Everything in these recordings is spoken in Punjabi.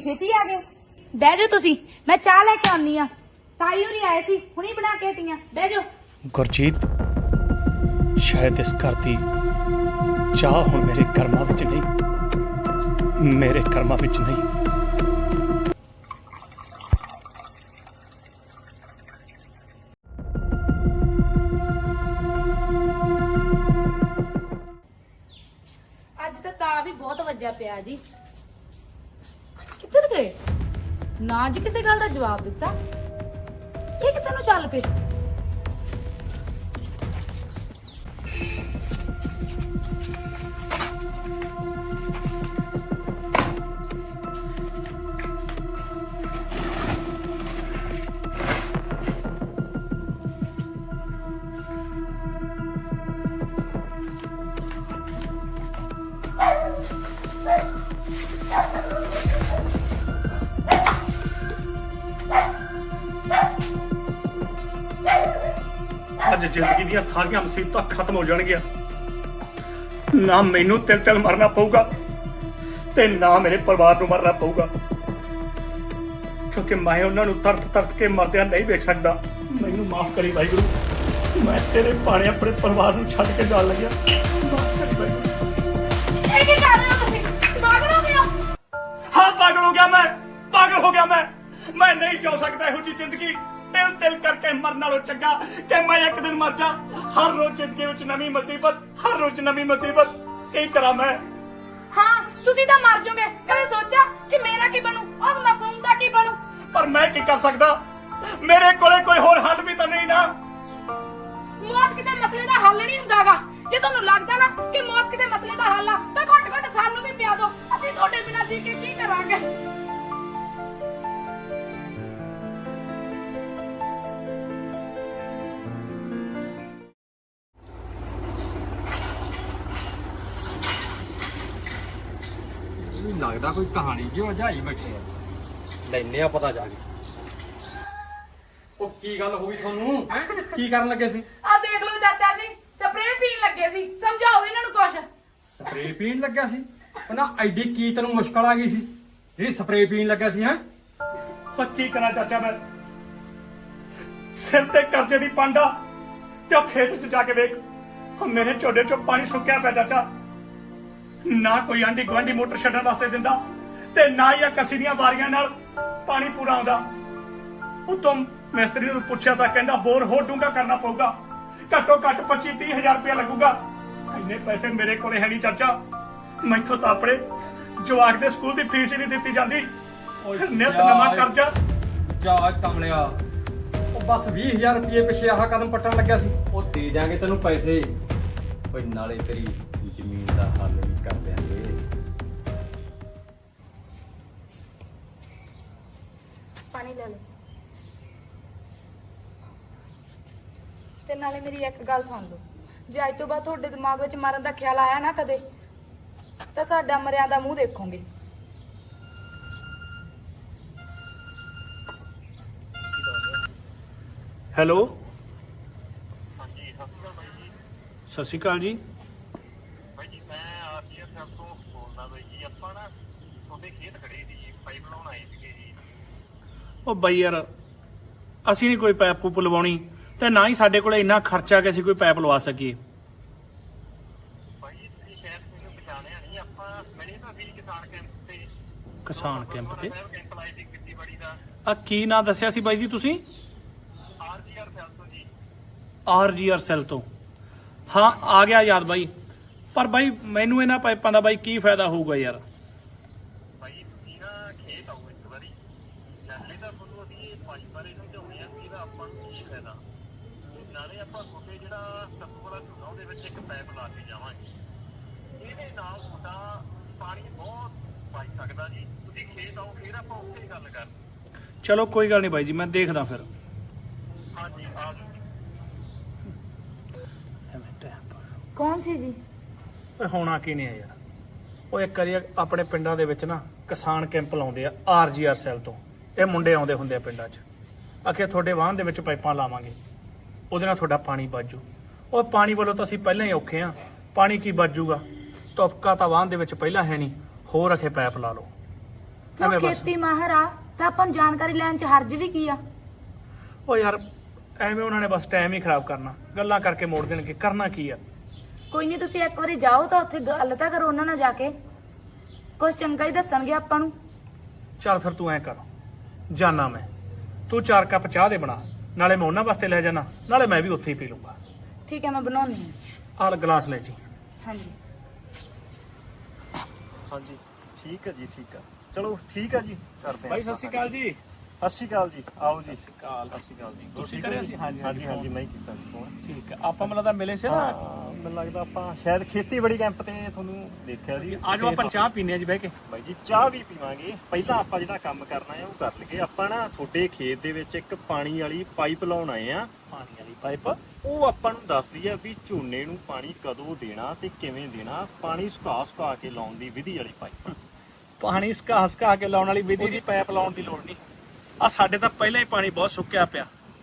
ਛੇਤੀ ਆ ਗਏ। ਬਹਿ ਜਾਓ ਤੁਸੀਂ, ਮੈਂ ਚਾਹ ਲੈ ਕੇ ਆਉਣੀ ਆ। ਤਾਈ ਹੋਰੀ ਆਏ ਸੀ, ਹੁਣੀ ਬਣਾ ਕੇ ਹਟੀਆਂ। ਬਹਿ ਜਾਓ। ਗੁਰਜੀਤ, ਸ਼ਾਇਦ ਇਸ ਘਰ ਦੀ ਚਾਹ ਹੁਣ ਮੇਰੇ ਕਰਮਾਂ ਵਿੱਚ ਨਹੀਂ, ਮੇਰੇ ਕਰਮਾਂ ਵਿੱਚ ਨਹੀਂ। ਅੱਜ ਤਾਂ ਵੀ ਬਹੁਤ ਵੱਜਿਆ ਪਿਆ ਜੀ। ਕਿੱਧਰ ਗਏ? ਨਾ ਜੀ ਕਿਸੇ ਗੱਲ ਦਾ ਜਵਾਬ ਦਿੱਤਾ। ਇਹ ਕਿੱਧਰ ਨੂੰ ਚੱਲ ਪਏ? ਅੱਜ ਜ਼ਿੰਦਗੀ ਦੀਆਂ ਸਾਰੀਆਂ ਮੁਸੀਬਤਾਂ ਖਤਮ ਹੋ ਜਾਣਗੀਆਂ। ਨਾ ਮੈਨੂੰ ਤਿਲ ਤਿਲ ਮਰਨਾ ਪਊਗਾ ਤੇ ਨਾ ਮੇਰੇ ਪਰਿਵਾਰ ਨੂੰ ਮਰਨਾ ਪਊਗਾ, ਕਿਉਂਕਿ ਮੈਂ ਉਹਨਾਂ ਨੂੰ ਤਰਤ ਤਰਤ ਕੇ ਮਰਦਿਆਂ ਨਹੀਂ ਵੇਖ ਸਕਦਾ। ਮੈਨੂੰ ਮਾਫ ਕਰੀ ਵਾਹਿਗੁਰੂ, ਮੈਂ ਤੇਰੇ ਭਾਣੇ ਆਪਣੇ ਪਰਿਵਾਰ ਨੂੰ ਛੱਡ ਕੇ ਜਾਣ ਲੱਗਿਆ। ਮਾਫ ਕਰੀ ਵਾਹਿਗੁਰੂ। ਇਹ ਕੀ ਕਰ ਰਹੇ ਹੋ ਤੁਸੀਂ? ਪਾਗਲ ਹੋ ਗਏ ਹੋ? ਹਾਂ, ਪਾਗਲ ਹੋ ਗਿਆ ਮੈਂ, ਪਾਗਲ ਹੋ ਗਿਆ ਮੈਂ ਨਹੀਂ ਜਿਉ ਸਕਦਾ ਇਹੋ ਜਿਹੀ ਜ਼ਿੰਦਗੀ। ਤਿਲ ਤਿਲ ਕਰਕੇ ਮਰਨ ਨਾਲੋਂ ਚੰਗਾ ਕਿ ਮੈਂ ਇੱਕ ਦਿਨ ਮਰ ਜਾ। ਹਰ ਰੋਜ਼ ਜ਼ਿੰਦਗੀ ਵਿੱਚ ਨਵੀਂ ਮੁਸੀਬਤ, ਹਰ ਰੋਜ਼ ਨਵੀਂ ਮੁਸੀਬਤ। ਕੀ ਕਰਾਂ ਮੈਂ? ਹਾਂ, ਤੁਸੀਂ ਤਾਂ ਮਰ ਜਾਓਗੇ। ਕਦੇ ਸੋਚਿਆ ਕਿ ਮੇਰਾ ਕੀ ਬਣੂ, ਉਸ ਮਾਸੂਮ ਦਾ ਕੀ ਬਣੂ? ਪਰ ਮੈਂ ਕੀ ਕਰ ਸਕਦਾ? ਮੇਰੇ ਕੋਲੇ ਕੋਈ ਹੋਰ ਹੱਲ ਵੀ ਤਾਂ ਨਹੀਂ ਨਾ। ਮੌਤ ਕਿਸੇ ਮਸਲੇ ਦਾ ਹੱਲ ਨਹੀਂ ਹੁੰਦਾਗਾ। ਜੇ ਤੁਹਾਨੂੰ ਲੱਗਦਾ ਨਾ ਕਿ ਮੌਤ ਕਿਸੇ ਮਸਲੇ ਦਾ ਹੱਲ ਆ ਤਾਂ ਘੱਟ ਘੱਟ ਸਾਨੂੰ ਵੀ ਪਿਆ ਦਿਓ। ਅਸੀਂ ਤੁਹਾਡੇ ਬਿਨਾਂ ਜੀ ਕੇ ਕੀ ਕਰਾਂਗੇ? ਲੱਗਦਾ ਕੋਈ ਕਹਾਣੀ ਜਿਹੀ ਵਜਾਈ ਬੈਠੇ ਆ। ਲੈਨੇ ਆ ਪਤਾ ਜਾ ਕੇ। ਉਹ ਕੀ ਗੱਲ ਹੋ ਗਈ ਤੁਹਾਨੂੰ? ਕੀ ਕਰਨ ਲੱਗੇ ਸੀ? ਆ ਦੇਖ ਲਓ ਚਾਚਾ ਜੀ, ਸਪਰੇਅ ਪੀਣ ਲੱਗੇ ਸੀ। ਸਮਝਾਓ ਇਹਨਾਂ ਨੂੰ ਕੁਛ। ਸਪਰੇਅ ਪੀਣ ਲੱਗਿਆ ਸੀ? ਉਹਨਾਂ ਐਡੀ ਕੀ ਤੈਨੂੰ ਮੁਸ਼ਕਲ ਆ ਗਈ ਸੀ ਜਿਹੜੀ ਸਪਰੇਅ ਪੀਣ ਲੱਗਿਆ ਸੀ? ਹੈ ਪਰ ਕੀ ਕਰਾਂ ਚਾਚਾ, ਮੈਂ ਸਿਰ ਤੇ ਕਰਜ਼ੇ ਦੀ ਪਾਂਡਾ ਤੇ ਉਹ ਖੇਤ 'ਚ ਜਾ ਕੇ ਵੇਖ, ਮੇਰੇ ਝੋਡੇ 'ਚੋਂ ਪਾਣੀ ਸੁੱਕਿਆ ਪਿਆ ਚਾਚਾ। ਨਾ ਕੋਈ ਆਂਢੀ ਗੁਆਂਢੀ ਮੋਟਰ ਛੱਡਣ ਵਾਸਤੇ ਦਿੰਦਾ ਤੇ ਨਾ ਹੀ ਆ ਕੱਸੀ ਦੀਆਂ ਵਾਰੀਆਂ ਨਾਲ ਪਾਣੀ ਪੂਰਾ ਆਉਂਦਾ। ਉਤੋਂ ਮਿਸਤਰੀ ਨੂੰ ਪੁੱਛਿਆ ਤਾਂ ਕਹਿੰਦਾ ਬੋਰ ਹੋਰ ਡੂੰਘਾ ਕਰਨਾ ਪਊਗਾ, ਘੱਟੋ ਘੱਟ 25-30 ਹਜ਼ਾਰ ਰੁਪਇਆ ਲੱਗੂਗਾ। ਇੰਨੇ ਪੈਸੇ ਮੇਰੇ ਕੋਲੇ ਹੈ ਨਹੀਂ ਚਾਚਾ। ਮੈਥੋਂ ਤਾਂ ਆਪਣੇ ਜਵਾਕ ਦੇ ਸਕੂਲ ਦੀ ਫੀਸ ਹੀ ਨਹੀਂ ਦਿੱਤੀ ਜਾਂਦੀ। ਨਿਤ ਨਵਾਂ ਕਰਜ਼ਾ। ਜਾ ਕਮਲਿਆ, ਉਹ ਬਸ 20,000 ਰੁਪਏ ਪਿੱਛੇ ਆਹ ਕਦਮ ਪੱਟਣ ਲੱਗਿਆ ਸੀ। ਉਹ ਦੇ ਜਾਾਂਗੇ ਤੈਨੂੰ ਪੈਸੇ, ਕੋਈ ਨਾਲੇ ਤੇਰੀ ਜ਼ਮੀਨ ਦਾ ਹੱਲ ਵੀ ਕਰ ਦਿਆਂਗੇ। ਪਾਣੀ ਲੈ ਲਓ। ਤੇ ਨਾਲੇ ਮੇਰੀ ਇੱਕ ਗੱਲ ਸੁਣ ਲਓ, ਜੇ ਅੱਜ ਤੋਂ ਬਾਅਦ ਤੁਹਾਡੇ ਦਿਮਾਗ ਵਿੱਚ ਮਰਨ ਦਾ ਖਿਆਲ ਆਇਆ ਨਾ ਕਦੇ, ਤਾਂ ਸਾਡਾ ਮਰਿਆਂ ਦਾ ਮੂੰਹ ਦੇਖੋਗੇ। ਹੈਲੋ, ਹਾਂਜੀ, ਸਤਿ ਸ਼੍ਰੀ ਅਕਾਲ ਬਾਈ ਜੀ। ਸਤਿ ਸ਼੍ਰੀ ਅਕਾਲ ਜੀ। ਬਾਈ ਜੀ, ਮੈਂ ਆਰਜੀਆਰ ਸਾਹਿਬ ਤੋਂ ਬੋਲਦਾ ਬਾਈ ਜੀ। ਆਪਾਂ ਨਾ ਤੁਹਾਡੇ ਖੇਤ ਖੜੇ ਸੀ ਜੀ, ਪਾਈਪ ਲਾਉਣ ਆਏ ਸੀਗੇ ਜੀ। ਉਹ ਬਾਈ ਯਾਰ, ਅਸੀਂ ਨਹੀਂ ਕੋਈ ਪਾਈਪ ਪੂਪ ਲਵਾਉਣੀ ਤੇ ਨਾ ਹੀ ਸਾਡੇ ਕੋਲ ਇੰਨਾ ਖਰਚਾ ਕਿ ਅਸੀਂ ਕੋਈ ਪਾਈਪ ਲਵਾ ਸਕੀਏ। ਬਾਈ ਜੀ, ਤੁਸੀਂ ਸ਼ਾਇਦ ਮੈਨੂੰ ਪਛਾਣਿਆ ਨਹੀਂ। ਆਪਾਂ ਮੈਨੇ ਤਾਂ ਵੀ ਕਿਸਾਨ ਕੈਂਪ ਤੇ ਕਿਸਾਨ ਕੈਂਪ ਤੇ ਕੈਂਪ ਲਾਏ ਸੀ ਖੇਤੀਬਾੜੀ ਦਾ। ਆ ਕੀ ਨਾਂ ਦੱਸਿਆ ਸੀ ਬਾਈ ਜੀ ਤੁਸੀਂ? ਆਰਜੀਆਰ ਸਾਹਿਬ ਤੋਂ ਜੀ। ਆਰਜੀਆਰ ਸੈੱਲ ਤੋਂ? ਹਾਂ, ਆ ਗਿਆ ਯਾਦ ਬਾਈ। ਪਰ ਬਾਈ ਮੈਨੂੰ ਇਹਨਾਂ ਪਾਈਪਾਂ ਦਾ ਬਾਈ ਕੀ ਫਾਇਦਾ ਹੋਊਗਾ ਯਾਰ? ਬਾਈ ਤੁਸੀਂ ਨਾ ਖੇਤ ਆਓ ਇੱਕ ਵਾਰੀ, ਨਾਲੇ ਤਾਂ ਤੁਹਾਨੂੰ ਅਸੀਂ ਇਹ ਪਾਈਪ ਬਾਰੇ ਸਮਝਾਉਂਦੇ ਆ ਕਿ ਇਹਦਾ ਆਪਾਂ ਨੂੰ ਕੀ ਫਾਇਦਾ। ਨਾਲੇ ਆਪਾਂ ਤੁਹਾਡੇ ਜਿਹੜਾ ਸੱਤੂ ਵਾਲਾ ਝੋਨਾ ਉਹਦੇ ਵਿੱਚ ਇੱਕ ਪਾਈਪ ਲਾ ਕੇ ਜਾਵਾਂਗੇ। ਇਹਦੇ ਨਾਲ ਤੁਹਾਡਾ ਪਾਣੀ ਬਹੁਤ ਬਚ ਸਕਦਾ ਜੀ। ਤੁਸੀਂ ਖੇਤ ਆਓ, ਫਿਰ ਆਪਾਂ ਉੱਥੇ ਗੱਲ ਕਰ। ਚਲੋ ਕੋਈ ਗੱਲ ਨਹੀਂ ਬਾਈ ਜੀ, ਮੈਂ ਦੇਖਦਾ ਫਿਰ। ਹਾਂਜੀ, ਆ ਜਾਓ ਜੀ। ਕੌਣ ਸੀ ਜੀ? ਓਏ ਹੋਣਾ ਕੀ ਨਹੀਂ ਆ ਯਾਰ। ਉਹ ਇੱਕ ਵਾਰੀ ਆਪਣੇ ਪਿੰਡਾਂ ਦੇ ਵਿੱਚ ਨਾ ਕਿਸਾਨ ਕੈਂਪ ਲਾਉਂਦੇ ਆ ਆਰਜੀਆਰ ਸੈੱਲ ਤੋਂ। ਇਹ ਮੁੰਡੇ ਆਉਂਦੇ ਹੁੰਦੇ ਆ ਪਿੰਡਾਂ 'ਚ, ਆਖੇ ਤੁਹਾਡੇ ਵਾਹਨ ਦੇ ਵਿੱਚ ਪਾਈਪਾਂ ਲਾਵਾਂਗੇ, ਉਹਦੇ ਨਾਲ ਤੁਹਾਡਾ ਪਾਣੀ ਬਚੂ। ਉਹ ਪਾਣੀ ਵੱਲੋਂ ਤਾਂ ਅਸੀਂ ਪਹਿਲਾਂ ਹੀ ਔਖੇ ਆ, ਪਾਣੀ ਕੀ ਬਚੂਗਾ? ਤੁਪਕਾ ਤਾਂ ਵਾਹਨ ਦੇ ਵਿੱਚ ਪਹਿਲਾਂ ਹੈ ਨਹੀਂ, ਹੋਰ ਅਖੇ ਪਾਈਪ ਲਾ ਲਓ। ਤੂੰ ਐਵੇਂ ਬਸ ਖੇਤੀ ਮਾਹਰ ਆ ਤਾਂ ਆਪਾਂ ਨੂੰ ਜਾਣਕਾਰੀ ਲੈਣ ਚ ਹਰਜ ਵੀ ਕੀ ਆ? ਉਹ ਯਾਰ ਐਵੇਂ ਉਹਨਾਂ ਨੇ ਬਸ ਟਾਈਮ ਹੀ ਖਰਾਬ ਕਰਨਾ, ਗੱਲਾਂ ਕਰਕੇ ਮੋੜ ਦੇਣਗੇ, ਕਰਨਾ ਕੀ ਆ। ਕੋਈ ਨਹੀਂ, ਤੁਸੀਂ ਇੱਕ ਵਾਰੀ ਜਾਓ ਤਾਂ ਉੱਥੇ ਗੱਲ ਤਾਂ ਕਰੋ ਉਹਨਾਂ ਨਾਲ ਜਾ ਕੇ, ਕੁਝ ਚੰਗਾ ਹੀ ਦੱਸਣਗੇ ਆਪਾਂ ਨੂੰ। ਚੱਲ ਫਿਰ ਤੂੰ ਐ ਕਰ, ਜਾਨਾ ਮੈਂ, ਤੂੰ 4 ਕੱਪ ਚਾਹ ਦੇ ਬਣਾ, ਨਾਲੇ ਮੈਂ ਉਹਨਾਂ ਵਾਸਤੇ ਲੈ ਜਾਣਾ, ਨਾਲੇ ਮੈਂ ਵੀ ਉੱਥੇ ਹੀ ਪੀ ਲੂੰਗਾ। ਠੀਕ ਹੈ, ਮੈਂ ਬਣਾਉਣੀ ਹਾਂ। ਆਹ ਗਲਾਸ ਲੈ ਜੀ। ਹਾਂਜੀ ਹਾਂਜੀ ਠੀਕ ਹੈ ਜੀ, ਠੀਕ ਆ, ਚਲੋ ਠੀਕ ਆ ਜੀ, ਕਰਦੇ ਬਾਈ ਸਤਿ ਸ਼੍ਰੀ ਅਕਾਲ ਜੀ। ਸਤਿ ਸ਼੍ਰੀ ਅਕਾਲ ਜੀ, ਆਓ ਜੀ। ਸਤਿ ਸ਼੍ਰੀ ਅਕਾਲ ਜੀ। ਤੁਸੀਂ ਠੀਕ ਕਰਿਆ ਹੋ ਸੀ? ਜੀ? ਹਾਂਜੀ ਹਾਂਜੀ ਮੈਂ ਹੀ ਕੀਤਾ ਜੀ ਫੋਨ। ਠੀਕ ਹੈ, ਆਪਾਂ ਮੈਨੂੰ ਲੱਗਦਾ ਮਿਲੇ ਸੀ ਨਾ। ਹਾਂ, ਮੈਨੂੰ ਲੱਗਦਾ ਆਪਾਂ ਸ਼ਾਇਦ ਖੇਤੀਬਾੜੀ ਕੈਂਪ ਤੇ ਤੁਹਾਨੂੰ ਦੇਖਿਆ ਸੀ। ਆਜੋ ਆਪਾਂ ਚਾਹ ਪੀਨੇ ਆ ਜੀ ਬਹਿ ਕੇ। ਬਾਈ ਜੀ ਚਾਹ ਵੀ ਪੀਵਾਂਗੇ, ਪਹਿਲਾਂ ਆਪਾਂ ਜਿਹੜਾ ਕੰਮ ਕਰਨਾ ਹੈ ਉਹ ਕਰ ਲਈਏ। ਆਪਾਂ ਨਾ ਤੁਹਾਡੇ ਖੇਤ ਦੇ ਵਿੱਚ ਇੱਕ ਪਾਣੀ ਵਾਲੀ ਪਾਈਪ ਲਾਉਣ ਆਏ ਆ। ਪਾਣੀ ਵਾਲੀ ਪਾਈਪ? ਉਹ ਆਪਾਂ ਨੂੰ ਦੱਸਦੀ ਆ ਵੀ ਝੋਨੇ ਨੂੰ ਪਾਣੀ ਕਦੋਂ ਦੇਣਾ ਤੇ ਕਿਵੇਂ ਦੇਣਾ। ਪਾਣੀ ਸੁਕਾ ਕੇ ਲਾਉਣ ਦੀ ਵਿਧੀ ਵਾਲੀ ਪਾਈਪ। ਪਾਣੀ ਸਕਾ ਕੇ ਲਾਉਣ ਵਾਲੀ ਵਿਧੀ ਦੀ ਪਾਈਪ ਲਾਉਣ ਦੀ ਲੋੜ ਨਹੀਂ। ਆ ਸਾਡੇ ਤਾਂ ਪਹਿਲਾਂ ਹੀ ਪਾਣੀ ਬਹੁਤ ਸੁੱਕਿਆ ਪਿਆ।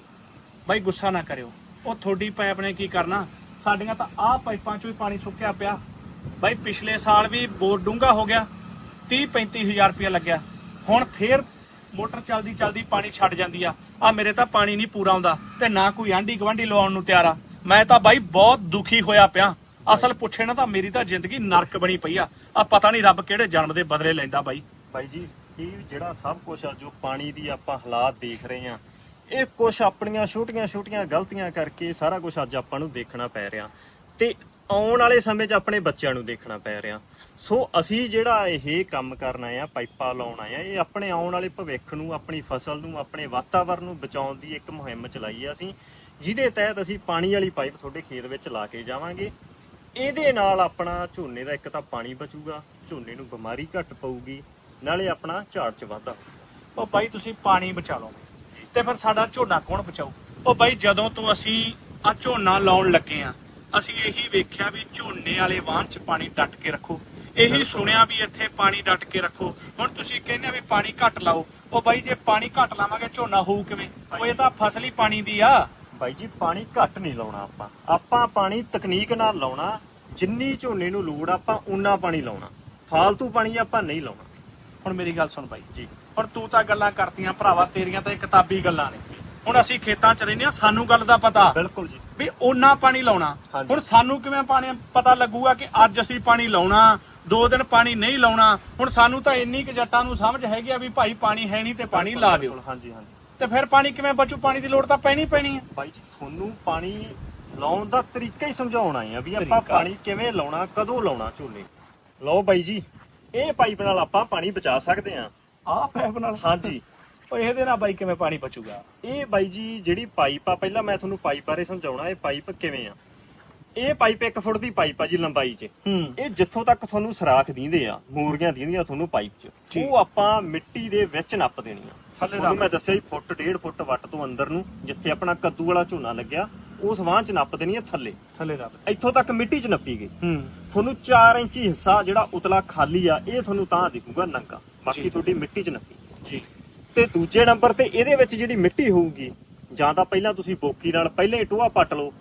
ਬਾਈ ਗੁੱਸਾ ਨਾ ਕਰਿਓ, ਉਹ ਤੁਹਾਡੀ ਪਾਈਪ ਨੇ ਕੀ ਕਰਨਾ, ਸਾਡੀਆਂ ਤਾਂ ਆਹ ਪਾਈਪਾਂ ਚੋਂ ਹੀ ਪਾਣੀ ਸੁੱਕਿਆ ਪਿਆ। ਬਾਈ ਪਿਛਲੇ ਸਾਲ ਵੀ ਬੋਰ ਡੂੰਘਾ ਹੋ ਗਿਆ, 30-35 ਹਜ਼ਾਰ ਰੁਪਇਆ ਲੱਗਿਆ। ਹੁਣ ਫੇਰ ਮੋਟਰ ਚਲਦੀ ਪਾਣੀ ਛੱਡ ਜਾਂਦੀ ਆ ਮੇਰੇ ਤਾਂ ਪਾਣੀ ਨਹੀਂ ਪੂਰਾ ਆਉਂਦਾ, ਤੇ ਨਾ ਕੋਈ ਆਂਢੀ ਗਵਾਂਢੀ ਲਵਾਉਣ ਨੂੰ ਤਿਆਰ ਆ। ਮੈਂ ਤਾਂ ਬਾਈ ਬਹੁਤ ਦੁਖੀ ਹੋਇਆ ਪਿਆ। ਅਸਲ ਪੁੱਛੇ ਨਾ ਤਾਂ ਮੇਰੀ ਤਾਂ ਜ਼ਿੰਦਗੀ ਨਰਕ ਬਣੀ ਪਈ ਆ ਪਤਾ ਨਹੀਂ ਰੱਬ ਕਿਹੜੇ ਜਨਮ ਦੇ ਬਦਲੇ ਲੈਂਦਾ ਬਾਈ ਜੀ ਇਹ ਜਿਹੜਾ ਸਭ ਕੁਝ ਆ ਜੋ ਪਾਣੀ ਦੀ ਆਪਾਂ ਹਾਲਾਤ ਦੇਖ ਰਹੇ ਆ, ਇਹ ਕੁਝ ਆਪਣੀਆਂ ਛੋਟੀਆਂ ਗਲਤੀਆਂ ਕਰਕੇ ਸਾਰਾ ਕੁਝ ਅੱਜ ਆਪਾਂ ਨੂੰ ਦੇਖਣਾ ਪੈ ਰਿਹਾ ਤੇ ਆਉਣ ਵਾਲੇ ਸਮੇਂ 'ਚ ਆਪਣੇ ਬੱਚਿਆਂ ਨੂੰ ਦੇਖਣਾ ਪੈ ਰਿਹਾ। ਸੋ ਅਸੀਂ ਜਿਹੜਾ ਇਹ ਕੰਮ ਕਰਨ ਆਏ ਆ, ਪਾਈਪਾਂ ਲਾਉਣ ਆਏ ਆ, ਇਹ ਆਪਣੇ ਆਉਣ ਵਾਲੇ ਭਵਿੱਖ ਨੂੰ, ਆਪਣੀ ਫਸਲ ਨੂੰ, ਆਪਣੇ ਵਾਤਾਵਰਨ ਨੂੰ ਬਚਾਉਣ ਦੀ ਇੱਕ ਮੁਹਿੰਮ ਚਲਾਈ ਆ ਅਸੀਂ, ਜਿਹਦੇ ਤਹਿਤ ਅਸੀਂ ਪਾਣੀ ਵਾਲੀ ਪਾਈਪ ਤੁਹਾਡੇ ਖੇਤ ਵਿੱਚ ਲਾ ਕੇ ਜਾਵਾਂਗੇ। ਇਹਦੇ ਨਾਲ ਆਪਣਾ ਝੋਨੇ ਦਾ ਇੱਕ ਤਾਂ ਪਾਣੀ ਬਚੂਗਾ, ਝੋਨੇ ਨੂੰ ਬਿਮਾਰੀ ਘੱਟ ਪਊਗੀ, ਨਾਲੇ ਆਪਣਾ ਝਾੜ 'ਚ ਵਾਧਾ। ਉਹ ਬਾਈ ਤੁਸੀਂ ਪਾਣੀ ਬਚਾ ਲਓ ਤੇ ਫਿਰ ਸਾਡਾ ਝੋਨਾ ਕੌਣ ਬਚਾਊ? ਉਹ ਬਾਈ ਜਦੋਂ ਤੋਂ ਅਸੀਂ ਆ ਝੋਨਾ ਲਾਉਣ ਲੱਗੇ ਆ, ਅਸੀਂ ਇਹੀ ਵੇਖਿਆ ਵੀ ਝੋਨੇ ਵਾਲੇ ਵਾਹਨ 'ਚ ਪਾਣੀ ਡੱਟ ਕੇ ਰੱਖੋ, ਇਹੀ ਸੁਣਿਆ ਵੀ ਇੱਥੇ ਪਾਣੀ ਡੱਟ ਕੇ ਰੱਖੋ। ਹੁਣ ਤੁਸੀਂ ਕਹਿੰਦੇ ਵੀ ਪਾਣੀ ਘੱਟ ਲਾਓ, ਉਹ ਬਾਈ ਜੇ ਪਾਣੀ ਘੱਟ ਲਾਵਾਂਗੇ ਝੋਨਾ ਹੋਊ ਕਿਵੇਂ? ਉਹ ਇਹ ਤਾਂ ਫਸਲ ਹੀ ਪਾਣੀ ਦੀ ਆ। ਬਾਈ ਜੀ ਪਾਣੀ ਘੱਟ ਨਹੀਂ ਲਾਉਣਾ, ਆਪਾਂ ਪਾਣੀ ਤਕਨੀਕ ਨਾਲ ਲਾਉਣਾ। ਜਿੰਨੀ ਝੋਨੇ ਨੂੰ ਲੋੜ ਆਪਾਂ ਉਨਾ ਪਾਣੀ ਲਾਉਣਾ, ਫਾਲਤੂ ਪਾਣੀ ਆਪਾਂ ਨਹੀਂ ਲਾਉਣਾ। ਹੁਣ ਮੇਰੀ ਗੱਲ ਸੁਣ ਬਾਈ ਜੀ, ਹੁਣ ਤੂੰ ਤਾਂ ਗੱਲਾਂ ਕਰਤੀਆਂ ਭਰਾਵਾ, ਤੇਰੀਆਂ ਤਾਂ ਇਹ ਕਿਤਾਬੀ ਗੱਲਾਂ ਨੇ। ਹੁਣ ਅਸੀਂ ਖੇਤਾਂ 'ਚ ਰਹਿੰਦੇ ਆ, ਸਾਨੂੰ ਗੱਲ ਦਾ ਪਤਾ ਬਿਲਕੁਲ ਜੀ ਵੀ ਓਨਾ ਪਾਣੀ ਲਾਉਣਾ। ਹੁਣ ਸਾਨੂੰ ਕਿਵੇਂ ਪਾਣੀ ਪਤਾ ਲੱਗੂਗਾ ਕਿ ਅੱਜ ਅਸੀਂ ਪਾਣੀ ਲਾਉਣਾ, 2 ਦਿਨ ਪਾਣੀ ਨਹੀਂ ਲਾਉਣਾ? ਹੁਣ ਸਾਨੂੰ ਤਾਂ ਇੰਨੀ ਕਿ ਜੱਟਾਂ ਨੂੰ ਸਮਝ ਹੈਗੀ ਆ ਵੀ ਭਾਈ ਪਾਣੀ ਹੈ ਨਹੀਂ ਤੇ ਪਾਣੀ ਲਾ ਦਿਓ। ਹਾਂਜੀ ਤੇ ਫਿਰ ਪਾਣੀ ਕਿਵੇਂ ਬਚੂ? ਪਾਣੀ ਦੀ ਲੋੜ ਤਾਂ ਪੈਣੀ ਹੈ। ਬਾਈ ਜੀ ਤੁਹਾਨੂੰ ਪਾਣੀ ਲਾਉਣ ਦਾ ਤਰੀਕਾ ਹੀ ਸਮਝਾਉਣਾ ਆ ਵੀ ਆਪਾਂ ਪਾਣੀ ਕਿਵੇਂ ਲਾਉਣਾ, ਕਦੋਂ ਲਾਉਣਾ ਝੋਨੇ। ਲਓ ਬਾਈ ਜੀ, ਇਹ ਪਾਈਪ ਨਾਲ ਆਪਾਂ ਪਾਣੀ ਬਚਾ ਸਕਦੇ ਆ। ਆਹ ਪਾਈਪ ਨਾਲ? ਹਾਂਜੀ। ਉਹ ਇਹਦੇ ਨਾਲ ਬਾਈ ਕਿਵੇਂ ਪਾਣੀ ਬਚੂਗਾ? ਇਹ ਬਾਈ ਜੀ ਜਿਹੜੀ ਪਾਈਪ ਆ, ਪਹਿਲਾਂ ਮੈਂ ਤੁਹਾਨੂੰ ਪਾਈਪ ਬਾਰੇ ਸਮਝਾਉਣਾ। ਇਹ ਪਾਈਪ ਕਿਵੇਂ ਆ, ਇਹ ਪਾਈਪ 1 ਫੁੱਟ ਦੀ ਪਾਈਪ ਆ ਜੀ ਲੰਬਾਈ 'ਚ। ਇਹ ਜਿੱਥੋਂ ਤੱਕ ਤੁਹਾਨੂੰ ਸਰਾਖ ਦਿੰਦੇ ਆ, ਮੂਰੀਆਂ ਦਿੰਦੀਆਂ ਤੁਹਾਨੂੰ ਪਾਈਪ 'ਚ, ਉਹ ਆਪਾਂ ਮਿੱਟੀ ਦੇ ਵਿੱਚ ਨੱਪ ਦੇਣੀਆਂ। ਤੁਹਾਨੂੰ ਮੈਂ ਦੱਸਿਆ ਜੀ, 1.5 ਫੁੱਟ ਵੱਟ ਤੋਂ ਅੰਦਰ ਨੂੰ, ਜਿੱਥੇ ਆਪਣਾ ਕੱਦੂ ਵਾਲਾ ਝੋਨਾ ਲੱਗਿਆ ਉਸ ਵਾਂ 'ਚ ਨੱਪ ਦੇਣੀ ਆ। ਥੱਲੇ ਇੱਥੋਂ ਤੱਕ ਮਿੱਟੀ 'ਚ ਨੱਪੀ ਗਈ। ਤੁਹਾਨੂੰ 4 ਇੰਚੀ ਹਿੱਸਾ ਜਿਹੜਾ ਉਤਲਾ ਖਾਲੀ ਆ, ਇਹ ਤੁਹਾਨੂੰ ਤਾਂ ਦਿਖੂਗਾ ਨੰਗਾ, ਬਾਕੀ ਤੁਹਾਡੀ ਮਿੱਟੀ 'ਚ ਨੱਪੀ ਜੀ। ਤੇ ਦੂਜੇ ਨੰਬਰ ਤੇ ਇਹਦੇ ਵਿੱਚ ਜਿਹੜੀ ਮਿੱਟੀ ਹੋਊਗੀ, ਜਾਂ ਤਾਂ ਪਹਿਲਾਂ ਤੁਸੀਂ ਬੋਕੀ ਨਾਲ ਪਹਿਲਾਂ ਹੀ ਟੋਆ ਪੱਟ ਲਓ,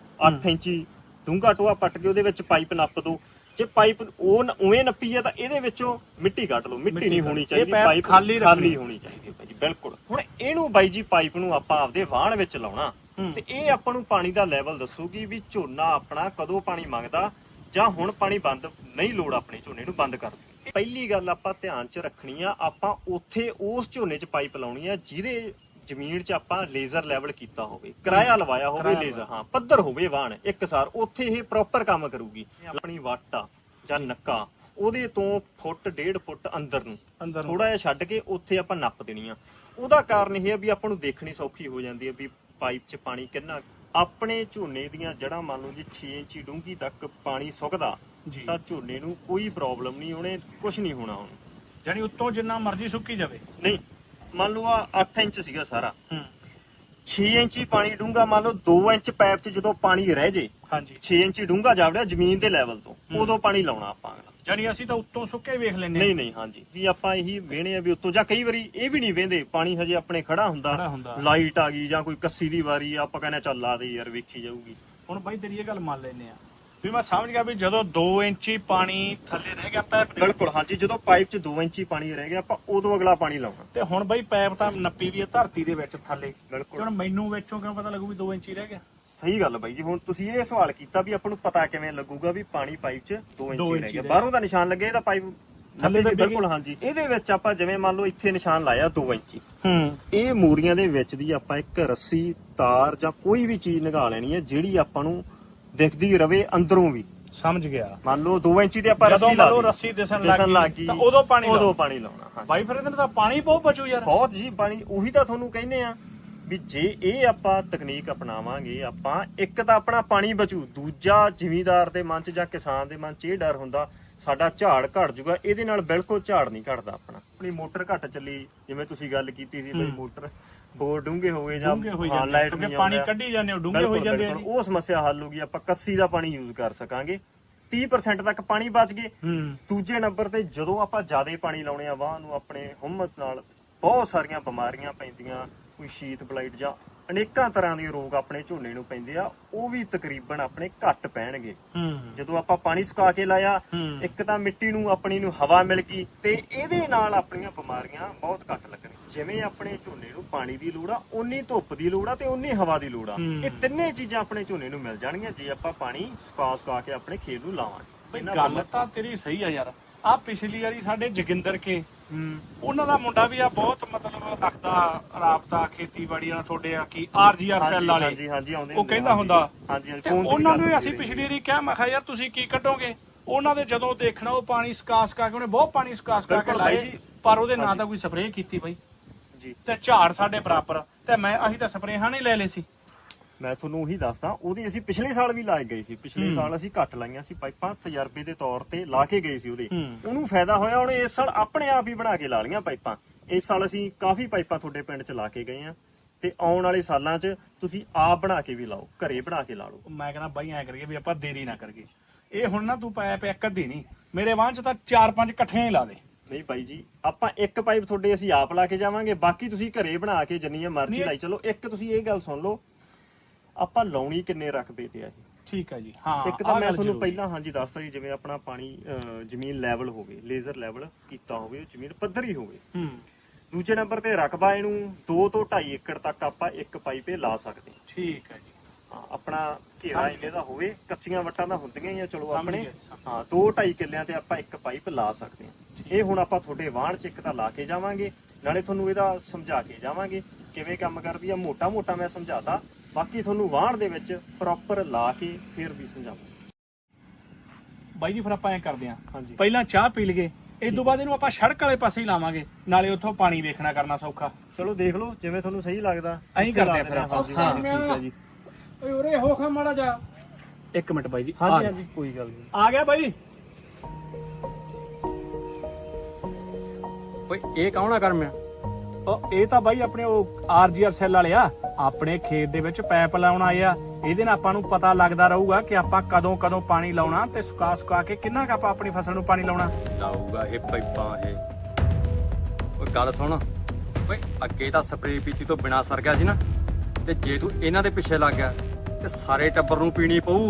8 ਇੰਚੀ ਡੂੰਘਾ ਟੋਆ ਪੱਟ ਕੇ ਉਹਦੇ ਵਿੱਚ ਪਾਈਪ ਨੱਪ ਦਿਓ। ਜੇ ਪਾਈਪ ਉਹ ਉਵੇਂ ਨੱਪੀ ਆ ਤਾਂ ਇਹਦੇ ਵਿੱਚੋਂ ਮਿੱਟੀ ਕੱਢ ਲਓ, ਮਿੱਟੀ ਨਹੀਂ ਹੋਣੀ ਚਾਹੀਦੀ, ਪਾਈਪ ਖਾਲੀ ਹੋਣੀ ਚਾਹੀਦੀ ਹੈ ਜੀ। ਬਿਲਕੁਲ। ਹੁਣ ਇਹਨੂੰ ਬਾਈ ਜੀ ਪਾਈਪ ਨੂੰ ਆਪਾਂ ਆਪਦੇ ਵਾਹਣ ਵਿੱਚ ਲਾਉਣਾ ਤੇ ਇਹ ਆਪਾਂ ਨੂੰ ਪਾਣੀ ਦਾ ਲੈਵਲ ਦੱਸੂਗੀ ਵੀ ਝੋਨਾ ਆਪਣਾ ਕਦੋਂ ਪਾਣੀ ਮੰਗਦਾ, ਜਾਂ ਹੁਣ ਪਾਣੀ ਬੰਦ ਨਹੀਂ, ਲੋੜ ਆਪਣੇ ਝੋਨੇ ਨੂੰ ਬੰਦ ਕਰ ਦਿਓ। ਪਹਿਲੀ ਗੱਲ ਆਪਾਂ ਧਿਆਨ 'ਚ ਰੱਖਣੀ ਆ, ਆਪਾਂ ਉੱਥੇ ਉਸ ਝੋਨੇ 'ਚ ਪਾਈਪ ਲਾਉਣੀ ਆ ਜਿਹਦੇ ਜ਼ਮੀਨ 'ਚ ਆਪਾਂ ਲੇਜ਼ਰ ਲੈਵਲ ਕੀਤਾ ਹੋਵੇ, ਕਿਰਾਇਆ ਲਵਾਇਆ ਹੋਵੇ ਲੇਜ਼ਰ, ਹਾਂ ਪੱਧਰ ਹੋਵੇ ਵਾਹਣ ਇੱਕਸਾਰ, ਉੱਥੇ ਇਹ ਪ੍ਰੋਪਰ ਕੰਮ ਕਰੂਗੀ। ਆਪਣੀ ਵੱਟ ਆ ਜਾਂ ਨੱਕਾ, ਉਹਦੇ ਤੋਂ ਫੁੱਟ 1.5 ਫੁੱਟ ਅੰਦਰ ਨੂੰ ਥੋੜਾ ਜਿਹਾ ਛੱਡ ਕੇ ਉੱਥੇ ਆਪਾਂ ਨੱਪ ਦੇਣੀ ਆ। ਉਹਦਾ ਕਾਰਨ ਇਹ ਆ ਵੀ ਆਪਾਂ ਨੂੰ ਦੇਖਣੀ ਸੌਖੀ ਹੋ ਜਾਂਦੀ ਹੈ ਵੀ ਪਾਈਪ 'ਚ ਪਾਣੀ ਕਿੰਨਾ। ਆਪਣੇ ਝੋਨੇ ਦੀਆਂ ਜੜ੍ਹਾਂ ਮੰਨ ਲਓ ਜੀ 6 ਇੰਚੀ ਡੂੰਘੀ ਤੱਕ ਪਾਣੀ ਸੁੱਕਦਾ ਤਾਂ ਝੋਨੇ ਨੂੰ ਕੋਈ ਪ੍ਰੋਬਲਮ ਨਹੀਂ, ਉਹਨੇ ਕੁਝ ਨਹੀਂ ਹੋਣਾ। ਹੁਣ ਜਾਨੀ ਉੱਤੋਂ ਜਿੰਨਾ ਮਰਜ਼ੀ ਸੁੱਕੀ ਜਾਵੇ ਨਹੀਂ, ਮੰਨ ਲਓ ਆ 8 ਇੰਚ ਸੀਗਾ ਸਾਰਾ, 6 ਇੰਚੀ ਪਾਣੀ ਡੂੰਘਾ, ਮੰਨ ਲਓ 2 ਇੰਚ ਪਾਈਪ 'ਚ ਜਦੋਂ ਪਾਣੀ ਰਹਿ ਜੇ, 6 ਇੰਚੀ ਡੂੰਘਾ ਜਾਵੜਿਆ ਜ਼ਮੀਨ ਦੇ ਲੈਵਲ ਤੋਂ, ਉਦੋਂ ਪਾਣੀ ਲਾਉਣਾ ਆਪਾਂ। ਜਾਨੀ ਅਸੀਂ ਤਾਂ ਉੱਤੋਂ ਸੁੱਕੇ ਵੇਖ ਲੈਂਦੇ ਨਹੀਂ ਹਾਂਜੀ ਵੀ ਆਪਾਂ ਇਹੀ ਵੇਹਣੇ ਆ ਵੀ ਉੱਤੋਂ, ਜਾਂ ਕਈ ਵਾਰੀ ਇਹ ਵੀ ਨਹੀਂ ਵੇਂਦੇ, ਪਾਣੀ ਹਜੇ ਆਪਣੇ ਖੜਾ ਹੁੰਦਾ, ਲਾਈਟ ਆ ਗਈ ਜਾਂ ਕੋਈ ਕੱਸੀ ਦੀ ਵਾਰੀ, ਆਪਾਂ ਕਹਿੰਦੇ ਚੱਲ ਲਾ ਦੇ ਯਾਰ ਵੇਖੀ ਜਾਊਗੀ। ਹੁਣ ਬਾਈ ਤੇਰੀ ਇਹ ਗੱਲ ਮੰਨ ਲੈਨੇ ਆ, ਵੀ ਮੈਂ ਸਮਝ ਗਿਆ ਵੀ ਜਦੋਂ 2 ਇੰਚੀ ਪਾਣੀ ਥੱਲੇ ਰਹਿ ਗਿਆ ਪੈਪ ਦੇ, ਬਿਲਕੁਲ ਹਾਂਜੀ, ਜਦੋਂ ਪਾਈਪ 'ਚ 2 ਇੰਚੀ ਪਾਣੀ ਰਹਿ ਗਿਆ ਆਪਾਂ ਉਦੋਂ ਅਗਲਾ ਪਾਣੀ ਲਾਉਣਾ। ਤੇ ਹੁਣ ਬਈ ਪੈਪ ਤਾਂ ਨੱਪੀ ਵੀ ਹੈ ਧਰਤੀ ਦੇ ਵਿੱਚ ਥੱਲੇ, ਬਿਲਕੁਲ। ਹੁਣ ਮੈਨੂੰ ਵਿੱਚੋਂ ਕਿਉਂ ਪਤਾ ਲੱਗੂ ਵੀ 2 ਇੰਚੀ ਰਹਿ ਗਿਆ? ਸਹੀ ਗੱਲ ਬਾਈ ਜੀ, ਹੁਣ ਤੁਸੀਂ ਇਹ ਸਵਾਲ ਕੀਤਾ ਵੀ ਆਪਾਂ ਨੂੰ ਪਤਾ ਕਿਵੇਂ ਲੱਗੂਗਾ ਵੀ ਪਾਣੀ ਪਾਈਪ 'ਚ 2 ਇੰਚੀ ਰਹਿ ਇੰਚੀ ਗਿਆ। ਰਹਿ ਬਾਹਰੋਂ ਦਾ ਨਿਸ਼ਾਨ ਲੱਗੇ ਇਹਦਾ ਪਾਈਪ ਥੱਲੇ ਥੱਲੇ ਦੱਬੀ ਬਿਲਕੁਲ ਹਾਂਜੀ। ਇਹਦੇ ਵਿੱਚ ਆਪਾਂ ਜਿਵੇਂ ਮੰਨ ਲਓ ਇੱਥੇ ਨਿਸ਼ਾਨ ਲਾਇਆ 2 ਇੰਚੀ, ਹੂੰ ਇਹ ਮੂਰੀਆਂ ਦੇ ਵਿੱਚ ਦੀ ਆਪਾਂ ਇੱਕ ਰੱਸੀ, ਤਾਰ ਜਾਂ ਕੋਈ ਵੀ ਚੀਜ਼ ਨਿਗਾਲ ਲੈਣੀ ਹੈ ਜਿਹੜੀ ਆਪਾਂ ਨੂੰ ਦਿਖਦੀ ਰਵੇ ਅੰਦਰੋਂ ਵੀ। ਸਮਝ ਗਿਆ। ਮੰਨ ਲਓ 2 ਇੰਚੀ ਤੇ ਆਪਾਂ ਜਦੋਂ ਰੱਸੀ ਲਾ ਮੰਨ ਲਓ ਲਈ, ਰੱਸੀ ਦਿਸਣ ਲੱਗ ਗਈ ਤਾਂ ਉਦੋਂ ਪਾਣੀ ਲਾਉਣਾ। ਹਾਂਜੀ। ਬਾਈ ਫਿਰ ਇਹਦੇ ਨਾਲ ਤਾਂ ਪਾਣੀ ਬਹੁਤ ਬਚੂ ਯਾਰ। ਬਹੁਤ ਜੀ ਪਾਣੀ, ਉਹੀ ਤਾਂ ਤੁਹਾਨੂੰ ਕਹਿੰਦੇ ਆ ਵੀ ਜੇ ਇਹ ਆਪਾਂ ਤਕਨੀਕ ਅਪਣਾਵਾਂਗੇ ਆਪਾਂ, ਇੱਕ ਤਾਂ ਆਪਣਾ ਪਾਣੀ ਬਚੂ, ਦੂਜਾ ਜ਼ਿਮੀਂਦਾਰ ਦੇ ਮਨ 'ਚ ਜਾਂ ਕਿਸਾਨ ਦੇ ਮਨ 'ਚ ਇਹ ਡਰ ਹੁੰਦਾ ਸਾਡਾ ਝਾੜ ਘਟ ਜੂਗਾ। ਇਹਦੇ ਨਾਲ ਬਿਲਕੁਲ ਝਾੜ ਨਹੀਂ ਘਟਦਾ ਆਪਣਾ। ਆਪਣੀ ਮੋਟਰ ਘੱਟ ਚੱਲੀ, ਜਿਵੇਂ ਤੁਸੀਂ ਗੱਲ ਕੀਤੀ ਸੀ ਬਈ ਮੋਟਰ ਬੋਰ ਡੂੰਘੇ ਹੋ ਗਏ ਜਾਂ ਲਾਈਟ ਨਹੀਂ ਪਾਣੀ ਕੱਢੀ ਜਾਂਦੇ ਹੋ, ਡੂੰਘੇ ਹੋਈ ਜਾਂਦੇ ਆ। ਉਹ ਸਮੱਸਿਆ ਹੱਲ ਹੋ ਗਈ, ਆਪਾਂ ਕੱਸੀ ਦਾ ਪਾਣੀ ਯੂਜ਼ ਕਰ ਸਕਾਂਗੇ। 30% ਤੱਕ ਪਾਣੀ ਬਚ ਗਏ। ਦੂਜੇ ਨੰਬਰ ਤੇ ਜਦੋਂ ਆਪਾਂ ਜ਼ਿਆਦਾ ਪਾਣੀ ਲਾਉਣੇ ਆ ਵਾਹ ਨੂੰ, ਆਪਣੇ ਹਿੰਮਤ ਨਾਲ ਬਹੁਤ ਸਾਰੀਆਂ ਬਿਮਾਰੀਆਂ ਪੈਂਦੀਆਂ, ਕੋਈ ਸ਼ੀਤ ਬਲਾਈਟ ਜਾਂ ਅਨੇਕਾਂ ਤਰ੍ਹਾਂ ਦੇ ਰੋਗ ਆਪਣੇ ਝੋਨੇ ਨੂੰ ਪੈਂਦੇ ਆ, ਉਹ ਵੀ ਤਕਰੀਬਨ ਆਪਣੇ ਘੱਟ ਪੈਣਗੇ। ਜਦੋਂ ਆਪਾਂ ਪਾਣੀ ਸੁਕਾ ਕੇ ਲਾਇਆ, ਇੱਕ ਤਾਂ ਮਿੱਟੀ ਨੂੰ ਆਪਣੀ ਨੂੰ ਹਵਾ ਮਿਲ ਗਈ ਤੇ ਇਹਦੇ ਨਾਲ ਆਪਣੀਆਂ ਬਿਮਾਰੀਆਂ ਬਹੁਤ ਘੱਟ ਲੱਗਣਗੀਆਂ। ਜਿਵੇਂ ਆਪਣੇ ਝੋਨੇ ਨੂੰ ਪਾਣੀ ਦੀ ਲੋੜ ਆ, ਓਨੀ ਧੁੱਪ ਦੀ ਲੋੜ ਆ ਤੇ ਓਨੀ ਹਵਾ ਦੀ ਲੋੜ ਆ। ਇਹ ਤਿੰਨੇ ਚੀਜ਼ਾਂ ਆਪਣੇ ਝੋਨੇ ਨੂੰ ਮਿਲ ਜਾਣਗੀਆਂ ਜੇ ਆਪਾਂ ਪਾਣੀ ਸੁਕਾ ਕੇ ਆਪਣੇ ਖੇਤ ਨੂੰ ਲਾਵਾਂਗੇ। ਗੱਲ ਤਾਂ ਤੇਰੀ ਸਹੀ ਆ ਯਾਰ। ਆ ਪਿਛਲੀ ਵਾਰੀ ਸਾਡੇ ਜੋਗਿੰਦਰ ਕੇ ਉਹਨਾਂ ਦਾ ਮੁੰਡਾ ਵੀ ਆ ਬਹੁਤ ਮਤਲਬ ਰੱਖਦਾ ਰਾਬਤਾ ਖੇਤੀਬਾੜੀ ਨਾਲ ਤੁਹਾਡੇ ਆ ਕੀ ਆਰਜੀਆਰ ਸੈੱਲ ਵਾਲੇ। ਹਾਂਜੀ ਹਾਂਜੀ ਆਉਂਦੇ ਉਹ ਕਹਿੰਦਾ ਹੁੰਦਾ। ਹਾਂਜੀ ਤੇ ਉਹਨਾਂ ਨੂੰ ਅਸੀਂ ਪਿਛਲੀ ਵਾਰੀ ਕਿਹਾ, ਮੈਂ ਕਿਹਾ ਯਾਰ ਤੁਸੀਂ ਕੀ ਕੱਢੋਗੇ? ਉਹਨਾਂ ਦੇ ਜਦੋਂ ਦੇਖਣਾ ਉਹ ਪਾਣੀ ਸੁਕਾ ਕੇ ਉਹਨੇ ਬਹੁਤ ਪਾਣੀ ਸੁਕਾ ਕੇ ਲਾਏ, ਪਰ ਉਹਦੇ ਨਾਂ ਤਾਂ ਕੋਈ ਸਪਰੇਅ ਕੀਤੀ ਬਾਈ ਜੀ। ਤੇ ਝਾੜ ਸਾਡੇ ਬਰਾਬਰ, ਤੇ ਅਸੀਂ ਤਾਂ ਸਪਰੇਹਾਂ ਨਹੀਂ ਲੈ ਲਏ ਸੀ। ਮੈਂ ਤੁਹਾਨੂੰ ਉਹੀ ਦੱਸਦਾ, ਉਹਦੀ ਅਸੀਂ ਪਿਛਲੇ ਸਾਲ ਵੀ ਲਾਏ ਗਏ ਸੀ। ਪਿਛਲੇ ਸਾਲ ਅਸੀਂ ਘੱਟ ਲਾਈਆਂ ਸੀ ਪਾਈਪਾਂ, ਤਜਰਬੇ ਦੇ ਤੌਰ ਤੇ ਲਾ ਕੇ ਗਏ ਸੀ ਉਹਦੇ। ਉਹਨੂੰ ਫਾਇਦਾ ਹੋਇਆ, ਉਹਨੇ ਇਸ ਸਾਲ ਆਪਣੇ ਆਪ ਹੀ ਬਣਾ ਕੇ ਲਾ ਲਈਆਂ ਪਾਈਪਾਂ। ਇਸ ਸਾਲ ਅਸੀਂ ਕਾਫੀ ਪਾਈਪਾਂ ਤੁਹਾਡੇ ਪਿੰਡ 'ਚ ਲਾ ਕੇ ਗਏ ਆ, ਤੇ ਆਉਣ ਵਾਲੇ ਸਾਲਾਂ 'ਚ ਤੁਸੀਂ ਆਪ ਬਣਾ ਕੇ ਵੀ ਲਾਓ, ਘਰੇ ਬਣਾ ਕੇ ਲਾ ਲਓ। ਮੈਂ ਕਹਿੰਦਾ ਬਾਈ ਐ ਕਰੀਏ ਵੀ ਆਪਾਂ ਦੇਰੀ ਨਾ ਕਰੀਏ। ਇਹ ਹੁਣ ਨਾ ਤੂੰ ਪਾਇਪ ਇੱਕ ਅੱਧੀ ਨਹੀਂ, ਮੇਰੇ ਵਾਂਹ 'ਚ ਤਾਂ 4-5 ਇਕੱਠੀਆਂ ਹੀ ਲਾ ਦੇ। ਨਹੀਂ ਬਾਈ ਜੀ, ਆਪਾਂ ਇੱਕ ਪਾਈਪ ਤੁਹਾਡੇ ਅਸੀਂ ਆਪ ਲਾ ਕੇ ਜਾਵਾਂਗੇ, ਬਾਕੀ ਤੁਸੀਂ ਘਰੇ ਬਣਾ ਕੇ ਜਿੰਨੀਆਂ ਮਰਜ਼ੀ ਲਾਈ ਚਲੋ। ਇੱਕ ਤੁਸੀਂ ਇਹ ਗੱਲ ਸੁਣ ਲਓ, ਆਪਾਂ ਲਾਉਣੀ ਕਿੰਨੇ ਰਕਬੇ ਤੇ ਆ ਇਹ? ਠੀਕ ਹੈ ਜੀ। ਹਾਂ, ਇੱਕ ਤਾਂ ਮੈਂ ਤੁਹਾਨੂੰ ਪਹਿਲਾਂ ਹਾਂਜੀ ਦੱਸਤਾ ਜੀ, ਜਿਵੇਂ ਆਪਣਾ ਪਾਣੀ ਜ਼ਮੀਨ ਲੈਵਲ ਹੋਵੇ, ਲੇਜ਼ਰ ਲੈਵਲ ਕੀਤਾ ਹੋਵੇ, ਜ਼ਮੀਨ ਪੱਧਰੀ ਹੋਵੇ। ਦੂਜੇ ਨੰਬਰ ਤੇ ਰਕਬਾ ਇਹਨੂੰ 2 ਤੋਂ 2.5 ਏਕੜ ਤੱਕ ਆਪਾਂ ਇੱਕ ਪਾਈਪ ਲਾ ਸਕਦੇ। ਠੀਕ ਹੈ ਜੀ। ਆਪਣਾ ਘੇਰਾ ਇੰਨੇ ਦਾ ਹੋਵੇ, ਕੱਚੀਆਂ ਵੱਟਾਂ ਦਾ ਹੁੰਦੀਆਂ ਹੀ ਆ ਚਲੋ ਆਪਣੇ। ਹਾਂ 2-2.5 ਕਿੱਲਿਆਂ ਤੇ ਆਪਾਂ ਇੱਕ ਪਾਈਪ ਲਾ ਸਕਦੇ ਹਾਂ। ਇਹ ਹੁਣ ਆਪਾਂ ਤੁਹਾਡੇ ਵਾਹਣ 'ਚ ਇੱਕ ਤਾਂ ਲਾ ਕੇ ਜਾਵਾਂਗੇ, ਨਾਲੇ ਤੁਹਾਨੂੰ ਇਹਦਾ ਸਮਝਾ ਕੇ ਜਾਵਾਂਗੇ ਕਿਵੇਂ ਕੰਮ ਕਰਦੀ ਆ। ਮੋਟਾ ਮੈਂ ਸਮਝਾਤਾ, ਬਾਕੀ ਤੁਹਾਨੂੰ ਵਾਹਣ ਦੇ ਵਿੱਚ ਪ੍ਰੋਪਰ ਲਾ ਕੇ ਫਿਰ ਵੀ ਸਮਝਾਵਾਂਗੇ। ਬਾਈ ਜੀ ਫਿਰ ਆਪਾਂ ਐਂ ਕਰਦੇ ਆਂ, ਹਾਂਜੀ ਪਹਿਲਾਂ ਚਾਹ ਪੀ ਲਈਏ, ਇਸ ਤੋਂ ਬਾਅਦ ਇਹਨੂੰ ਆਪਾਂ ਸੜਕ ਵਾਲੇ ਪਾਸੇ ਹੀ ਲਾਵਾਂਗੇ, ਨਾਲੇ ਉੱਥੋਂ ਪਾਣੀ ਵੇਖਣਾ ਕਰਨਾ ਸੌਖਾ। ਚਲੋ ਦੇਖ ਲਓ ਜਿਵੇਂ ਤੁਹਾਨੂੰ ਸਹੀ ਲੱਗਦਾ। ਐਂ ਕਰਦੇ ਆ ਫਿਰ ਆਪਾਂ। ਹਾਂ ਠੀਕ ਹੈ ਜੀ। ਓਏ ਉਰੇ ਹੋ ਖਾ ਮਾੜਾ ਜਾ। ਇੱਕ ਮਿੰਟ ਬਾਈ ਜੀ। ਹਾਂਜੀ ਕੋਈ ਗੱਲ ਨਹੀਂ। ਆ ਗਿਆ ਬਾਈ। ਓਏ ਇਹ ਕੌਣ ਆ ਕਰਮਿਆ? ਉਹ ਇਹ ਤਾਂ ਬਾਈ ਆਪਣੇ ਉਹ ਆਰਜੀਆਰ ਸੈੱਲ ਵਾਲੇ ਆ, ਆਪਣੇ ਖੇਤ ਦੇ ਵਿੱਚ ਪਾਈਪ ਲਾਉਣ ਆਏ ਆ। ਇਹਦੇ ਨਾਲ ਆਪਾਂ ਨੂੰ ਪਤਾ ਲੱਗਦਾ ਰਹੂਗਾ ਕਿ ਆਪਾਂ ਕਦੋਂ ਪਾਣੀ ਲਾਉਣਾ ਤੇ ਸੁਕਾ ਕੇ ਕਿੰਨਾ ਕੁ ਆਪਾਂ ਆਪਣੀ ਫਸਲ ਨੂੰ ਪਾਣੀ ਲਾਉਣਾ। ਲਾਊਗਾ ਇਹ ਪਾਈਪਾਂ ਇਹ। ਓਏ ਗੱਲ ਸੁਣ, ਓਏ ਅੱਗੇ ਤਾਂ ਸਪਰੇਅ ਪੀਤੀ ਤੋਂ ਬਿਨਾ ਸਰ ਗਿਆ ਸੀ ਨਾ, ਤੇ ਜੇ ਤੂੰ ਇਹਨਾਂ ਦੇ ਪਿੱਛੇ ਲੱਗ ਗਿਆ ਤੇ ਸਾਰੇ ਟੱਬਰ ਨੂੰ ਪੀਣੀ ਪਊ।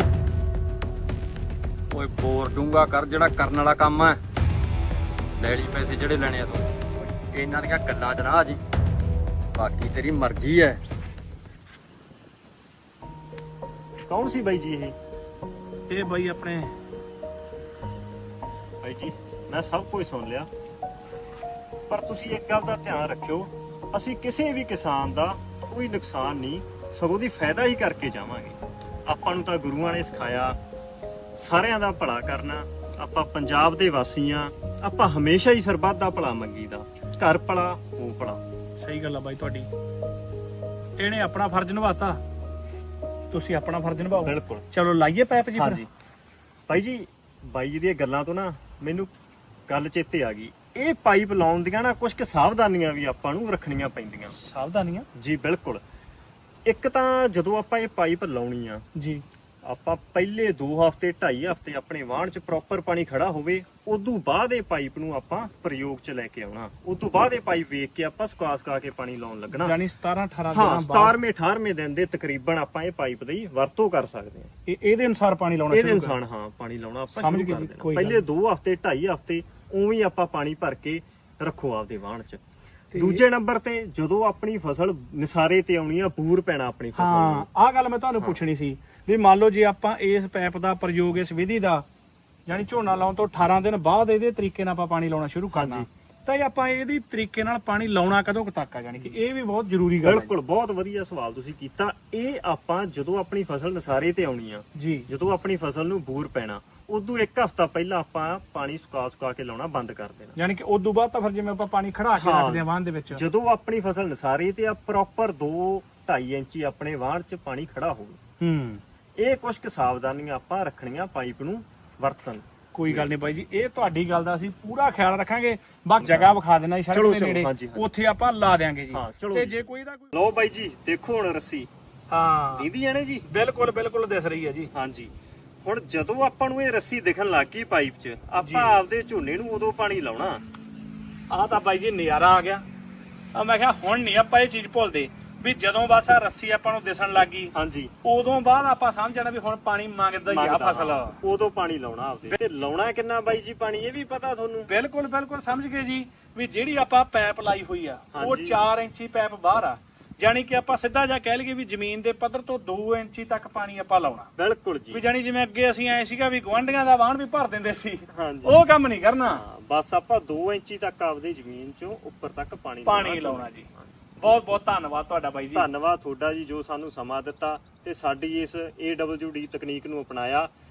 ਓਏ ਬੋਰ ਡੂੰਗਾ ਕਰ, ਜਿਹੜਾ ਕਰਨ ਵਾਲਾ ਕੰਮ ਹੈ। ਲੈ ਲਈ ਪੈਸੇ ਜਿਹੜੇ ਲੈਣੇ ਆ ਤੂੰ, ਇਹਨਾਂ ਦੀਆਂ ਗੱਲਾਂ 'ਚ ਨਾ ਆ ਜੀ, ਬਾਕੀ ਤੇਰੀ ਮਰਜ਼ੀ ਹੈ। ਕੌਣ ਸੀ ਬਾਈ ਜੀ ਇਹ? ਇਹ ਬਾਈ ਆਪਣੇ ਬਾਈ ਜੀ ਮੈਂ ਸਭ ਕੁਝ ਸੁਣ ਲਿਆ, ਪਰ ਤੁਸੀਂ ਇੱਕ ਗੱਲ ਦਾ ਧਿਆਨ ਰੱਖਿਓ, ਅਸੀਂ ਕਿਸੇ ਵੀ ਕਿਸਾਨ ਦਾ ਕੋਈ ਨੁਕਸਾਨ ਨਹੀਂ, ਸਗੋਂ ਦੀ ਫਾਇਦਾ ਹੀ ਕਰਕੇ ਜਾਵਾਂਗੇ। ਆਪਾਂ ਨੂੰ ਤਾਂ ਗੁਰੂਆਂ ਨੇ ਸਿਖਾਇਆ ਸਾਰਿਆਂ ਦਾ ਭਲਾ ਕਰਨਾ। ਆਪਾਂ ਪੰਜਾਬ ਦੇ ਵਾਸੀ ਆ, ਆਪਾਂ ਹਮੇਸ਼ਾ ਹੀ ਸਰਬੱਤ ਦਾ ਭਲਾ ਮੰਗੀਦਾ, ਘਰ ਭਲਾ ਉਹ ਭਲਾ। ਸਹੀ ਗੱਲ ਆ ਬਾਈ ਤੁਹਾਡੀ। ਇਹਨੇ ਆਪਣਾ ਫਰਜ਼ ਨਿਭਾਤਾ, ਤੁਸੀਂ ਆਪਣਾ ਫਰਜ਼ ਨਿਭਾਓ। ਬਿਲਕੁਲ। ਚਲੋ ਲਾਈਏ ਪਾਈਪ ਜੀ। ਹਾਂਜੀ ਬਾਈ ਜੀ ਦੀਆਂ ਗੱਲਾਂ ਤੋਂ ਨਾ ਮੈਨੂੰ ਗੱਲ ਚੇਤੇ ਆ ਗਈ। ਇਹ ਪਾਈਪ ਲਾਉਣ ਦੀਆਂ ਨਾ ਕੁਝ ਕੁ ਸਾਵਧਾਨੀਆਂ ਵੀ ਆਪਾਂ ਨੂੰ ਰੱਖਣੀਆਂ ਪੈਂਦੀਆਂ। ਸਾਵਧਾਨੀਆਂ? ਜੀ ਬਿਲਕੁਲ। ਇੱਕ ਤਾਂ ਜਦੋਂ ਆਪਾਂ ਇਹ ਪਾਈਪ ਲਾਉਣੀ ਆ ਜੀ, ਆਪਾਂ ਪਹਿਲੇ 2 ਹਫ਼ਤੇ 2.5 ਹਫ਼ਤੇ ਆਪਣੇ ਵਾਹਣ 'ਚ ਪ੍ਰੋਪਰ ਪਾਣੀ ਖੜਾ ਹੋਵੇ, ਉਦੋਂ ਬਾਅਦ ਇਹ ਪਾਈਪ ਨੂੰ ਆਪਾਂ ਪ੍ਰਯੋਗ 'ਚ ਲੈ ਕੇ ਆਉਣਾ। ਉਦੋਂ ਬਾਅਦ ਇਹ ਪਾਈਪ ਵੇਖ ਕੇ ਆਪਾਂ ਸੁਕਾ ਕੇ ਪਾਣੀ ਲਾਉਣ ਲੱਗਣਾ। ਯਾਨੀ 17-18 ਹਾਂ, ਦਿਨਾਂ ਬਾਅਦ 17ਵੇਂ-18ਵੇਂ ਦਿਨ ਦੇ ਤਕਰੀਬਨ ਆਪਾਂ ਇਹ ਪਾਈਪ ਦੀ ਵਰਤੋਂ ਕਰ ਸਕਦੇ ਹਾਂ। ਇਹਦੇ ਅਨੁਸਾਰ ਪਾਣੀ ਲਾਉਣਾ ਇਹਦੇ ਸ਼ੁਰੂ ਕਰ ਅਨੁਸਾਰ ਹਾਂ ਪਾਣੀ ਲਾਉਣਾ ਆਪਾਂ ਸਮਝ ਸ਼ੁਰੂ ਗਏ ਕਰ ਜੀ, ਦੇਣਾ। ਕੋਈ ਗੱਲ ਪਹਿਲੇ 2 ਹਫ਼ਤੇ 2.5 ਹਫ਼ਤੇ ਉਵੇਂ ਹੀ ਆਪਾਂ ਪਾਣੀ ਭਰ ਕੇ ਰੱਖੋ ਆਪਦੇ ਵਾਹਣ 'ਚ। ਦੂਜੇ ਨੰਬਰ ਤੇ ਜਦੋਂ ਆਪਣੀ ਫਸਲ ਨਿਸਾਰੇ ਤੇ ਆਉਣੀ ਆ, ਬੂਰ ਪੈਣਾ ਆਪਣੀ ਫਸਲ ਨੂੰ। ਹਾਂ, ਆਹ ਗੱਲ ਮੈਂ ਤੁਹਾਨੂੰ ਪੁੱਛਣੀ ਸੀ ਵੀ ਮੰਨ ਲਓ ਜੇ ਆਪਾਂ ਇਸ ਪੈਪ ਦਾ ਪ੍ਰਯੋਗ, ਇਸ ਵਿਧੀ ਦਾ ਯਾਨੀ ਝੋਨਾ ਲਾਉਣ ਤੋਂ 18 ਦਿਨ ਬਾਅਦ ਇਹਦੇ ਤਰੀਕੇ ਨਾਲ ਆਪਾਂ ਪਾਣੀ ਲਾਉਣਾ ਸ਼ੁਰੂ ਕਰਨਾ, ਤਾਂ ਇਹ ਆਪਾਂ ਇਹਦੀ ਤਰੀਕੇ ਨਾਲ ਪਾਣੀ ਲਾਉਣਾ ਕਦੋਂ ਕੁ ਤੱਕ ਆ? ਯਾਨੀ ਕਿ ਇਹ ਵੀ ਬਹੁਤ ਜ਼ਰੂਰੀ ਗੱਲ ਹੈ। ਬਿਲਕੁਲ, ਬਹੁਤ ਵਧੀਆ ਸਵਾਲ ਤੁਸੀਂ ਕੀਤਾ। ਇਹ ਆਪਾਂ ਜਦੋਂ ਆਪਣੀ ਫਸਲ ਨਿਸਾਰੇ ਤੇ ਆਉਣੀ ਆ ਜੀ, ਜਦੋਂ ਆਪਣੀ ਫਸਲ ਨੂੰ ਬੂਰ ਪੈਣਾ, ਉਦੋਂ 1 ਹਫ਼ਤਾ ਪਹਿਲਾਂ ਆਪਾਂ ਪਾਣੀ ਸੁਕਾ ਕੇ ਲਾਉਣਾ ਬੰਦ ਕਰ ਦੇਣਾ। ਯਾਨੀ ਕਿ ਉਦੋਂ ਬਾਅਦ ਤਾਂ ਫਿਰ ਜਿਵੇਂ ਆਪਾਂ ਪਾਣੀ ਖੜਾ ਕੇ ਰੱਖਦੇ ਆ ਵਾਹਨ ਦੇ ਵਿੱਚ, ਜਦੋਂ ਆਪਣੀ ਫਸਲ ਨਿਸਾਰੇ ਤੇ ਆ ਪ੍ਰੋਪਰ 2-2.5 ਇੰਚੀ ਆਪਣੇ ਵਾਹਣ 'ਚ ਪਾਣੀ ਖੜਾ ਹੋਵੇ। ਇਹ ਕੁਝ ਕੁ ਸਾਵਧਾਨੀਆਂ ਆਪਾਂ ਰੱਖਣੀਆਂ ਪਾਈਪ ਨੂੰ ਵਰਤਣ। ਕੋਈ ਗੱਲ ਨਹੀਂ ਬਾਈ ਜੀ, ਇਹ ਤੁਹਾਡੀ ਗੱਲ ਦਾ ਅਸੀਂ ਪੂਰਾ ਖਿਆਲ ਰੱਖਾਂਗੇ। ਬਾਕੀ ਜਗ੍ਹਾ ਵਿਖਾ ਦੇਣਾ ਜੀ ਸੜਕ ਚਲੋ, ਦੇ ਚਲੋ, ਨੇੜੇ, ਹਾਂਜੀ, ਹਾਂਜੀ। ਉੱਥੇ ਆਪਾਂ ਲਾ ਦਿਆਂਗੇ ਜੀ। ਹਾਂ, ਚਲੋ ਤੇ ਜੀ। ਜੇ ਕੋਈ ਦਾ ਕੋਈ ਲਓ ਬਾਈ ਜੀ, ਦੇਖੋ ਹੁਣ ਰੱਸੀ ਹਾਂ ਦੀਦੀ ਨੇ ਜੀ। ਬਿਲਕੁਲ ਬਿਲਕੁਲ ਦਿਸ ਰਹੀ ਹੈ ਜੀ। ਹਾਂਜੀ, ਹੁਣ ਜਦੋਂ ਆਪਾਂ ਨੂੰ ਇਹ ਰੱਸੀ ਦਿਖਣ ਲੱਗ ਗਈ ਪਾਈਪ 'ਚ, ਆਪਾਂ ਆਪਦੇ ਝੋਨੇ ਨੂੰ ਉਦੋਂ ਪਾਣੀ ਲਾਉਣਾ। ਆਹ ਤਾਂ ਬਾਈ ਜੀ ਨਜ਼ਾਰਾ ਆ ਗਿਆ। ਆ ਮੈਂ ਕਿਹਾ ਹੁਣ ਨਹੀਂ ਆਪਾਂ ਇਹ ਚੀਜ਼ ਭੁੱਲਦੇ ਵੀ ਜਦੋਂ ਬਸ ਆ ਰੱਸੀ ਆਪਾਂ ਨੂੰ ਦਿਸਣ ਲੱਗੀ, ਹਾਂਜੀ, ਉਦੋਂ ਬਾਅਦ ਆਪਾਂ ਸਮਝ ਜਾਣਾ ਵੀ ਹੁਣ ਪਾਣੀ ਮੰਗਦਾ ਹੀ ਆ ਫਸਲ। ਉਦੋਂ ਪਾਣੀ ਲਾਉਣਾ ਆਪਦੇ। ਤੇ ਲਾਉਣਾ ਕਿੰਨਾ ਬਾਈ ਜੀ ਪਾਣੀ, ਇਹ ਵੀ ਪਤਾ ਤੁਹਾਨੂੰ? ਬਿਲਕੁਲ ਬਿਲਕੁਲ ਸਮਝ ਗਏ ਜੀ ਵੀ ਜਿਹੜੀ ਆਪਾਂ ਪੈਪ ਲਾਈ ਹੋਈ ਆ ਉਹ ਹਾਂਜੀ। 4 ਇੰਚੀ ਪੈਪ ਬਾਹਰ ਆ, ਜਾਨੀ ਕਿ ਆਪਾਂ ਸਿੱਧਾ ਜਿਹਾ ਕਹਿ ਲਈਏ ਵੀ ਜ਼ਮੀਨ ਦੇ ਪੱਧਰ ਤੋਂ 2 ਇੰਚੀ ਤੱਕ ਪਾਣੀ ਆਪਾਂ ਲਾਉਣਾ। ਬਿਲਕੁਲ ਵੀ ਜੀ। ਜਾਨੀ ਜਿਵੇਂ ਅੱਗੇ ਅਸੀਂ ਐ ਸੀਗਾ ਵੀ ਗੁਆਂਢੀਆਂ ਦਾ ਵਾਹਣ ਵੀ ਭਰ ਦਿੰਦੇ ਸੀ, ਹਾਂਜੀ। ਉਹ ਕੰਮ ਨਹੀਂ ਕਰਨਾ। ਹਾਂ, ਬਸ ਆਪਾਂ 2 ਇੰਚੀ ਤੱਕ ਆਪਦੀ ਜ਼ਮੀਨ 'ਚੋਂ ਉੱਪਰ ਤੱਕ ਪਾਣੀ ਲਾਉਣਾ ਜੀ। ਬਹੁਤ ਬਹੁਤ ਧੰਨਵਾਦ ਤੁਹਾਡਾ ਬਾਈ ਜੀ। ਧੰਨਵਾਦ ਤੁਹਾਡਾ ਜੀ, ਜੋ ਸਾਨੂੰ ਸਮਾਂ ਦਿੱਤਾ ਤੇ ਸਾਡੀ ਇਸ AWD ਤਕਨੀਕ ਨੂੰ ਅਪਣਾਇਆ।